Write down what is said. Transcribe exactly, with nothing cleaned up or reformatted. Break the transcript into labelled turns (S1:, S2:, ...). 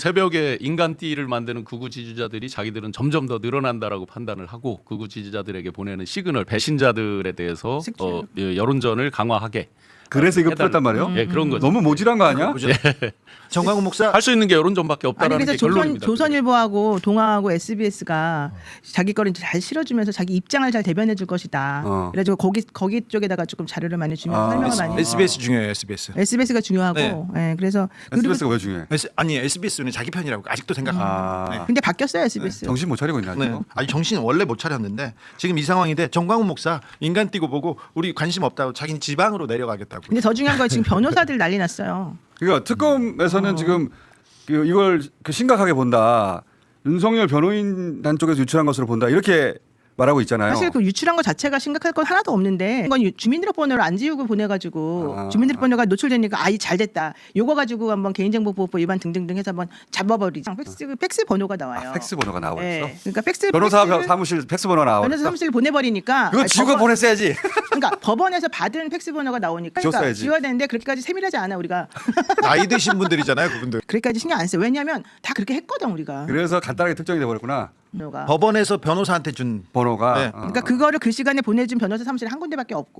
S1: 새벽에 인간띠를 만드는 극우 지지자들이 자기들은 점점 더 늘어난다라고 판단을 하고 극우 지지자들에게 보내는 시그널 배신자들에 대해서 어, 예, 여론전을 강화하게.
S2: 그래서 이거
S1: 해달라-
S2: 풀었단 말이에요?
S1: 예, 그런 거죠.
S2: 너무 모질한 거 아니야?
S3: 정광훈 목사
S1: 할 수 있는 게 여론전밖에
S4: 아니
S1: 없다라는
S4: 그래서
S1: 게
S4: 조선,
S1: 결론입니다.
S4: 조선일보하고 동아하고 에스비에스가 자기 거를 이제 잘 실어주면서 자기 입장을 잘 대변해 줄 것이다.
S2: 어.
S4: 그래가지고 거기 거기 쪽에다가 조금 자료를 많이 주면서
S2: 아,
S4: 설명을 많이.
S3: 에스비에스 중요해요. 에스비에스.
S4: 에스비에스가 중요하고.
S3: 네.
S4: 예, 그래서 그리고
S2: 에스비에스가 왜 중요해?
S3: 에스, 아니 에스비에스는 자기 편이라고 아직도 생각합니다.
S2: 아,
S4: 근데 바뀌었어요 에스비에스.
S2: 정신 못 차리고 있나
S3: 네.
S2: 지금?
S3: 아니 정신 원래 못 차렸는데 지금 이 상황인데 정광훈 목사 인간 띄고 보고 우리 관심 없다고 자기는 지방으로 내려가겠다고.
S4: 근데 더 중요한 건 지금 변호사들 난리 났어요.
S2: 그러니까 특검에서는 지금 그 이걸 그 심각하게 본다. 윤석열 변호인단 쪽에서 유출한 것으로 본다. 이렇게 말하고 있잖아요.
S4: 사실 그 유출한 것 자체가 심각할 건 하나도 없는데 이건 유- 주민등록번호를 안 지우고 보내가지고
S2: 아.
S4: 주민등록번호가 노출되니까 아이 잘 됐다. 요거 가지고 한번 개인정보보호법 위반 등등등 해서 한번 잡아버리자. 팩스 팩스 번호가 나와요.
S2: 아, 팩스 번호가 나와 있어.
S4: 네. 그러니까 팩스
S2: 변호사
S4: 팩스를
S2: 사무실 팩스 번호 나와.
S4: 변호사 사무실 보내버리니까.
S2: 그거
S4: 아니,
S2: 지우고
S4: 법원-
S2: 보냈어야지.
S4: 그러니까 법원에서 받은 팩스 번호가 나오니까 그러니까
S2: 지웠어야지.
S4: 지워야 되는데 그렇게까지 세밀하지 않아 우리가.
S3: 나이 드신 분들이잖아요, 그분들.
S4: 그렇게까지 신경 안 써요. 왜냐하면 다 그렇게 했거든 우리가.
S2: 그래서 간단하게 특정이 돼 버렸구나.
S4: 번호가.
S3: 법원에서 변호사한테 준
S2: 번호가.
S3: 네.
S2: 어.
S4: 그러니까 그거를 그 시간에 보내준 변호사 사무실 한 군데밖에 없고.